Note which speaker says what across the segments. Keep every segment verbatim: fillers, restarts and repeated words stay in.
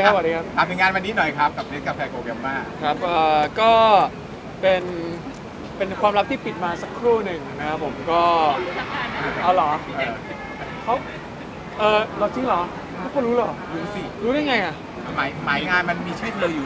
Speaker 1: ครับสวัสดีครับ
Speaker 2: ถามถึงงานวันนี้หน่อยครับกับเนสกาแฟโกเบลมา
Speaker 1: ครับเอ่อก็เป็นเป็นความลับที่ปิดมาสักครู่หนึ่งนะครับผมก็เอาเหรอ
Speaker 2: เออ
Speaker 1: เขาเออเราจริงเหรอทุกคนรู้เหรอ
Speaker 2: รู้สิ
Speaker 1: รู้ได้ไงอ่ะ
Speaker 2: หมายหมายงานมันมีชื่อเธออยู่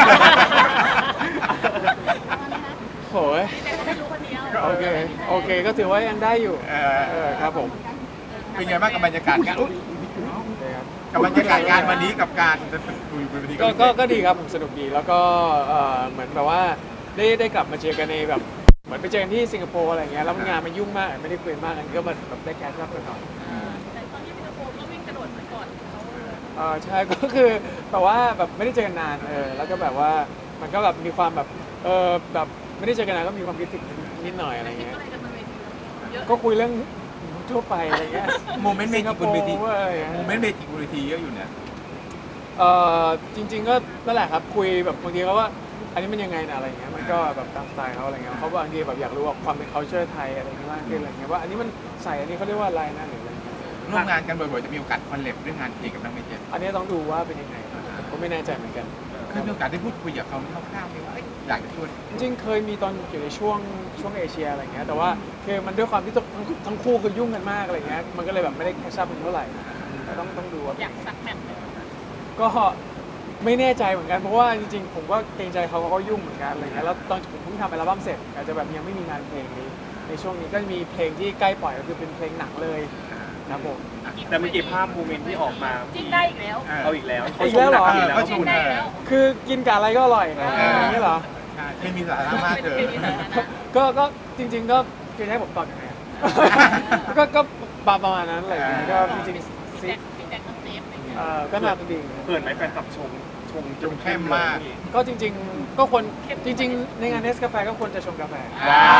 Speaker 1: โหยโอเคโอเคก็ถือว่ายังได้อยู่
Speaker 2: เออ
Speaker 1: เออครับผม
Speaker 2: เป็นไงบ้างกับบรรยากาศงานอุ๊ย
Speaker 1: โอเคครับ
Speaker 2: กับบรรยากาศงานวันนี้กับการคุยบนเวที
Speaker 1: ก็ก็ก็ดีครับผมสนุกดีแล้วก็เอ่อเหมือนแบบว่าได้ได้กลับมาเจอกันในแบบเหมือนไปเจอกันที่สิงคโปร์อะไรเงี้ยแล้วงานมันยุ่งมากไม่ได้คุยมากกันก็มาแบบได้แคชชัพกันหน่อย
Speaker 3: แต่ตอนที่สิงคโปร์ก็วิ่งกระโดดเหมือนก่อนเขา
Speaker 1: เออใช่ ก็คือแบบว่าแบบไม่ได้เจอกันนานเออแล้วก็แบบว่ามันก็แบบมีความแบบเออแบบไม่ได้เจอกันนานก็มีความคิดถึงนิดหน่อยอะไร
Speaker 3: คิด
Speaker 1: เงี้ย
Speaker 3: อะไรกันบนเวทีเยอะ
Speaker 1: ก็คุยเรื่องทั่วไปอะไรเงี้ย
Speaker 2: โมเมนต์เมจิกบนเวที
Speaker 1: สิงคโปร์อะไรเงี้ย
Speaker 2: โมเมนต์เมจิกบนเวทีเยอะอยู่เนี่ย
Speaker 1: เออจริง ๆ ก็นั่นแหละครับคุยแบบบางทีเขาว่าอันนี้มันยังไงนะอะไรเงี้ยมันก็แบบตามสไตล์เขาอะไรเงี้ยเขาบางทีแบบอยากรู้ว่าความเป็น culture ไทยอะไรเงี้ยมากขึ้นอะไรเงี้ยว่าอันนี้มันใส่อันนี้เขาเรียกว่าอะไรนะหรืออะไรเงี้ย
Speaker 2: ร่วมงานกันบ่อยๆจะมีโอกาสคอนเลบเรื่องงานเพลงกับนักเมจิก
Speaker 1: อันนี้ต้องดูว่าเป็นยังไงผมก็ไม่แน่ใจเหมือนกัน
Speaker 2: เคยมีโอกาสได้พูดคุยกับเขาคร่าวๆไหมว่าเอ้ยอยากจะชวน
Speaker 1: จริงๆเคยมีตอนอยู่ในช่วงช่วงเอเชียอะไรเงี้ยแต่ว่าคือมันด้วยความที่ทั้งทั้งคู่คือยุ่งกันมากอะไรเงี้ยมันก็เลยแบบไม่ได้แคชชั่นเท่าไหร่แต่ต้องต้องดูว่า
Speaker 3: อยากสักแมตช์เลย
Speaker 1: ก็ไม่แน่ใจเหมือนกันเพราะว่าจริงๆผมก็เกรงใจเขาเขาก็ยุ่งเหมือนกันอะไรเงี้ยแล้วตอนผมเพิ่งทำอัลบั้มเสร็จอาจจะแบบยังไม่มีงานเพลงนี้ในช่วงนี้ก็มีเพลงที่ใกล้ปล่อยก็คือเป็นเพลงหนังเลยครับผม
Speaker 4: แต่เมื่อกี้ภาพโมเมนต์ที่ออกมา
Speaker 3: จิ้นได้อีกแล้ว
Speaker 4: เอาอีกแล้ว
Speaker 1: อีกแล้วเหรอ
Speaker 4: ขาชมนักอีกแล้ว
Speaker 2: เขาช
Speaker 3: จิ้
Speaker 2: ม
Speaker 3: นได้แล้ว
Speaker 1: คือกินกับอะไรก็อร่อยนะอย่างนี้เหรอ
Speaker 2: ใช่ไม่มีสาระมากเลย
Speaker 1: ก็ก็จริง ๆ ก็คือให้ผมตอบยังไงอะก็ก็ประมาณนั้นอะไรเงี้ยก็จริงๆ
Speaker 3: พี่
Speaker 1: ซิ
Speaker 3: แจ็คพี่แจ็คต้องเซฟอะไรอย่างเงี้ย
Speaker 1: เอ่อก็น่าจะดี
Speaker 4: เขินไหมแฟนคลับชมชม
Speaker 2: ชมเข้มมาก
Speaker 1: ก็จริง ๆ ก็ควรจริง ๆ ในงานเนสกาแฟก็ควรจะชงกาแฟ
Speaker 2: ว้าว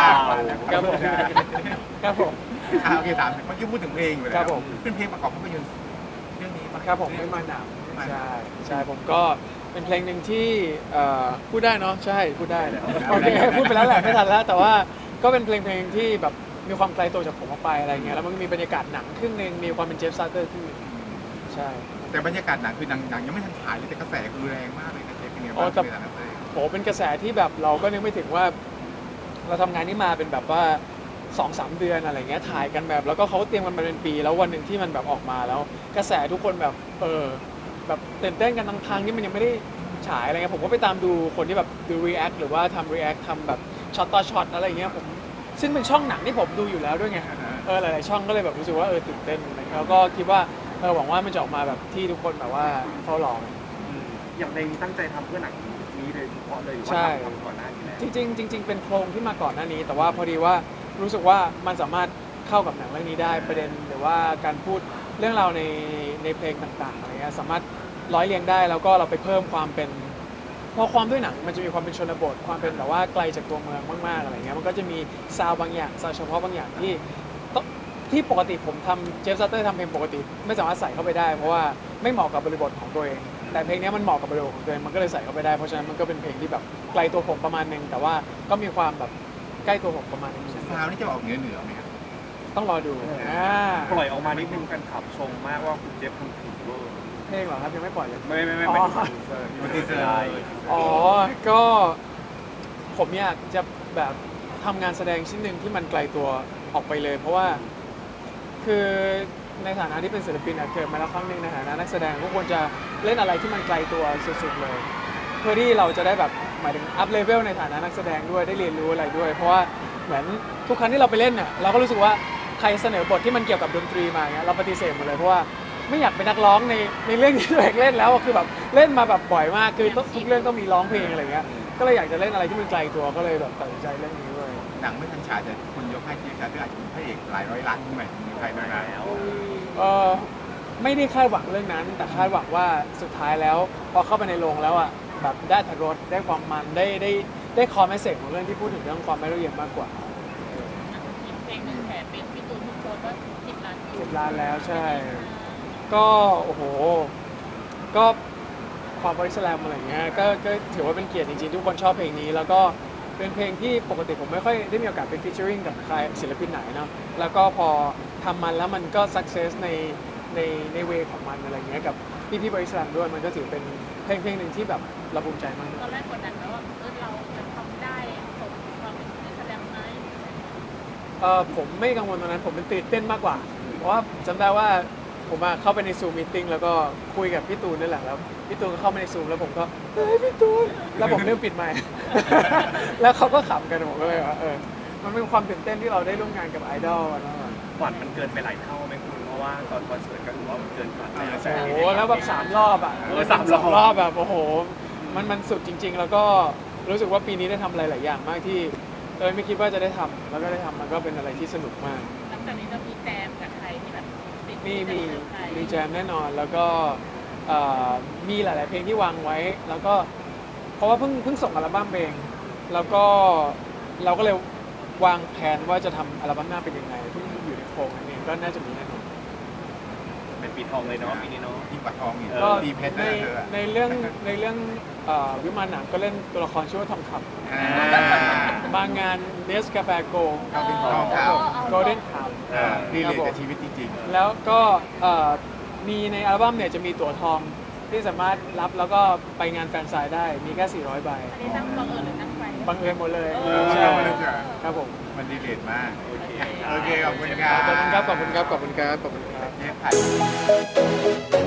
Speaker 1: ครับผมครับผม
Speaker 2: อ่ะโอเคถามเมื่อกี้พูดถึงเพลงไปแล้ว
Speaker 1: ครับผม
Speaker 2: เป็นเพลงประกอบภาพยนตร์เรื่องนี้ปะ
Speaker 1: ครับผมไม่มาหนาว
Speaker 2: ไม่มาหนาว
Speaker 1: ใช่ใช่ผมก็เป็นเพลงหนึ่งที่เอ่อพูดได้เนาะใช่พูดได้โอเคพูดไปแล้วแหละไม่ทันแล้ว แต่ว่าก็เป็นเพลงเพลงที่แบบมีความไกลตัวจากผมออกไปอะไรเงี้ยแล้วมันก็มีบรรยากาศหนังครึ่งหนึงมีความเป็นเจฟซาร์เตอร์ครึ่งหนึงใช่
Speaker 2: แต่บรรยากาศหนังคือหนังหนังยังไม่ทันถ่ายเลยแต่กระแสคือแรงมากเลยนะเจ๊เป็นไง
Speaker 1: อ๋
Speaker 2: บ้า
Speaker 1: อง แต่
Speaker 2: ในฐานะนักแสดง
Speaker 1: โหเป็นกระแสที่แบบเราก็นึกไม่ถึงว่า เราทำงานนี้มาเป็นแบบว่าสองสามเดือนอะไรเงี้ยถ่ายกันแบบ แล้วก็เขาเตรียมกันมาเป็นปีแล้ววันหนึ่งที่มันแบบออกมาแล้ว กระแสทุกคนแบบเออแบบตื่นเต้นกันทั้งทางที่มันยังไม่ได้ฉายอะไรเงี้ยผมก็ไปตามดูคนที่แบบดู react หรือว่าทำ react ทำแบบช็อตต่อช็อตอะไรเงี้ยผมซึ่งเป็นช่องหนังที่ผมดูอยู่แล้วด้วยไงเออหลายๆช่องก็เลยแบบรู้สึกว่าเออตื่นเต้นอะไรเงี้ยแล้วก็คิดว่าเออหวังว่ามันจะออกมาแบบที่ทุกคนแบบว่าเฝ้ารอ
Speaker 4: อืมอย่างเพลงนี้ตั้งใจทำเพื่อหนังนี้เลยเฉพาะเลยหรือ
Speaker 1: ใช่
Speaker 4: ว่าทำก่อนหน้านี้แล้ว
Speaker 1: จริงๆจริงๆเป็นโครงที่มาก่อนหน้านี้ แต่ว่าพอดีว่ารู้สึกว่ามันสามารถเข้ากับหนังเรื่องนี้ได้ประเด็นหรือว่าการพูดเรื่องราวในในเพลงต่างๆอะไรเงี้ยสามารถร้อยเรียงได้แล้วก็เราไปเพิ่มความเป็นเพราะความด้วยหนังมันจะมีความเป็นชนบทความเป็นแบบว่าไกลจากตัวเมืองมากๆอะไรเงี้ยมันก็จะมีซาวด์บางอย่างซาวด์เฉพาะบางอย่างที่ต้องที่ปกติผมทำเจฟซัตเตอร์ทำเพลงปกติ ไม่สามารถใส่เข้าไปได้ เพราะว่าไม่เหมาะกับบริบทของตัวเอง แต่เพลงนี้มันเหมาะกับบริบทของตัวเองมันก็เลยใส่เข้าไปได้เพราะฉะนั้นมันก็เป็นเพลงที่แบบไกลตัวผมประมาณนึงแต่ว่าก็มีความแบบใกล้ตัวผมประมาณนึง
Speaker 2: ซาวนี่จะออกเหนือเหนือไหมครับ
Speaker 1: ต้องรอดูอ่า
Speaker 4: ปล่อยออกมานิดนึงแฟนคลับชมมากว่าคุณเจฟทำถูกเวอร์
Speaker 1: เพลงเหรอครับยังไม่ปล่อยเลย
Speaker 4: ไม่ไม่ไม่
Speaker 1: อ๋อ
Speaker 4: ไม่ถึงเซอร์
Speaker 2: มันทีเซอร์
Speaker 4: ใช่
Speaker 1: อ๋อ ก็ผมอยากจะแบบทำงานแสดงชิ้นหนึ่งที่มันไกลตัวออกไปเลย เพราะว่าคือในฐานะที่เป็นศิลปินอะเกิดมาแล้วครั้งหนึ่งในฐานะนักแสดงก็ควรจะเล่นอะไรที่มันไกลตัวสุดๆเลย เพื่อที่เราจะได้แบบหมายถึงอัพเลเวลในฐานะนักแสดงด้วยได้เรียนรู้อะไรด้วย เพราะว่าเหมือนทุกครั้งที่เราไปเล่นเนี่ยเราก็รู้สึกว่าใครเสนอบทที่มันเกี่ยวกับดนตรีมาเงี้ยเราปฏิเสธหมดเลยเพราะว่าไม่อยากเป็นนักร้องในในเรื่องที่ตัวเองเล่นแล้วอะคือแบบเล่นมาแบบบ่อยมากคือต้องทุกเรื่องต้องมีร้องเพลงอะไรเงี้ยก็เลยอยากจะเล่นอะไรที่มันไกลตัวก็เลยแบบตัดสินใจเรื่องนี้ด้วย
Speaker 2: หนังไม่ทันฉายแต่คนยกให้เจ๊แต่อาจจะเป็นพระเอกหลายร้อยล้านขึ้นไปมีใครบ้างแล้ว
Speaker 1: เออไม่ได้คาดหวังเรื่องนั้น แต่คาดหวังว่าสุดท้ายแล้วพอเข้าไปในโรงแล้วอ่ะแบบได้อรรถรสได้ความมันได้ได้ได้คอมเมสเซจของเรื่องที่พูดถึงเรื่องความไม่รู้เย็นมากกว่า
Speaker 3: อีกเพลงหนึ่งแผลเป็นพี่ตูนทุกคนว่าสิบล้านวิว
Speaker 1: สิบล้านแล้วใช่ ก็โอ้โห ก็ความบริสแลมอะไรเงี้ยก็ก็ถือว่าเป็นเกียรติจริงๆ ทุกคนชอบเพลงนี้ แล้วก็เป็นเพลงที่ปกติผมไม่ค่อยได้มีโอกาสไปฟีเจอริงกับใครศิลปินไหนเนาะแล้วก็พอทำมันแล้วมันก็สักเซสในในในเวของมันอะไรเงี้ยกับพี่พี่บริษัทด้วยมันก็ถือเป็นเพลงเพลงหนึ่งที่แบบเราภูมิใจมาก
Speaker 3: ตอนแรกกดดันแล้วว่าเออเราจะทำได้สมความเป็นนักแสดงไหม
Speaker 1: เออผมไม่กังวลตรงนั้นผมเป็นตื่นเต้นมากกว่า เพราะว่าจำได้ว่าผมอะเข้าไปในซูมมีติ้งแล้วก็คุยกับพี่ตูนนี่แหละแล้วพี่ตูนก็เข้ามาในซูมแล้วผมก็เฮ้ยพี่ตูนแล้วผมเริ่มปิดไมค์ แล้วเขาก็ขำกันผมก็เลยว่าเออมันเป็นความตื่นเต้นที่เราได้ร่วมงานกับไอดอลอะเนาะ
Speaker 4: ฝันมันเกินไปหลายเท่าไหมคุณเพราะว่าตอนคอนเสิร์ตก็ถือว่ามันเกินฝันแล้ว
Speaker 1: โอ้โหแล้วแบบสามรอบอ่ะ
Speaker 4: เออสามรอบ
Speaker 1: รอบแบบโอ้โหมันมันสุดจริง ๆ แล้วก็รู้สึกว่าปีนี้ได้ทำอะไรหลายอย่างมากที่เออไม่คิดว่าจะได้ทำแล้วก็ได้ทำมันก็เป็นอะไรที่สนุกมาก
Speaker 3: หลังจากนี้จะมีแจมกับใครที่แบบติด
Speaker 1: มีมี
Speaker 3: จะเจอใคร
Speaker 1: มีแจมแน่นอนแล้วก็เอ่อมีหลาย ๆ เพลงที่วางไว้ แล้วก็เพราะว่าเพิ่งเพิ่งส่งอัลบั้มเองแล้วก็เราก็เลยวางแผนว่าจะทำอัลบั้มหน้าเป็นยังไงที่อยู่ในโครงนั่นเองก็น่าจะมีแน่นอน
Speaker 4: เป็นปีทองเลยเนาะปีนี้เนาะ
Speaker 2: ยิ่งกว่าทองอีก
Speaker 1: ก็
Speaker 2: ปีเพชร
Speaker 1: ใน
Speaker 2: นะเธออะ
Speaker 1: ในเรื่องในเรื่องเอ่อวิมานหนังก็เล่นตัวละครชื่อว่าทองค
Speaker 2: อ่า
Speaker 1: ำมางานเนสกาแฟโก
Speaker 2: เอาเป็นทอง
Speaker 3: เ
Speaker 2: ขาว
Speaker 1: โกลเด้นคาว
Speaker 2: อ่าดีเลยกับชีวิตจริง
Speaker 1: แล้วก็เอ่อมีในอัลบั้มเนี่ยจะมีตั๋วทองที่สามารถรับแล้วก็ไปงานแฟนไซน์ได้มีแค่สี่ร้อยใบ
Speaker 3: อันนี้ตั้งบังเอิญหรือตั้งใจ
Speaker 1: บังเอิญหมดเลย
Speaker 3: เออ
Speaker 1: ใช่
Speaker 2: บังเอิญจ้ะ
Speaker 1: ครับผม
Speaker 2: ๆ มันดีเลยมาก
Speaker 4: โอเค
Speaker 2: โอเค ขอบคุณครับ
Speaker 1: ขอบคุณครับขอบคุณครับขอบคุณครับขอบคุณครับ
Speaker 2: เชฟไผ่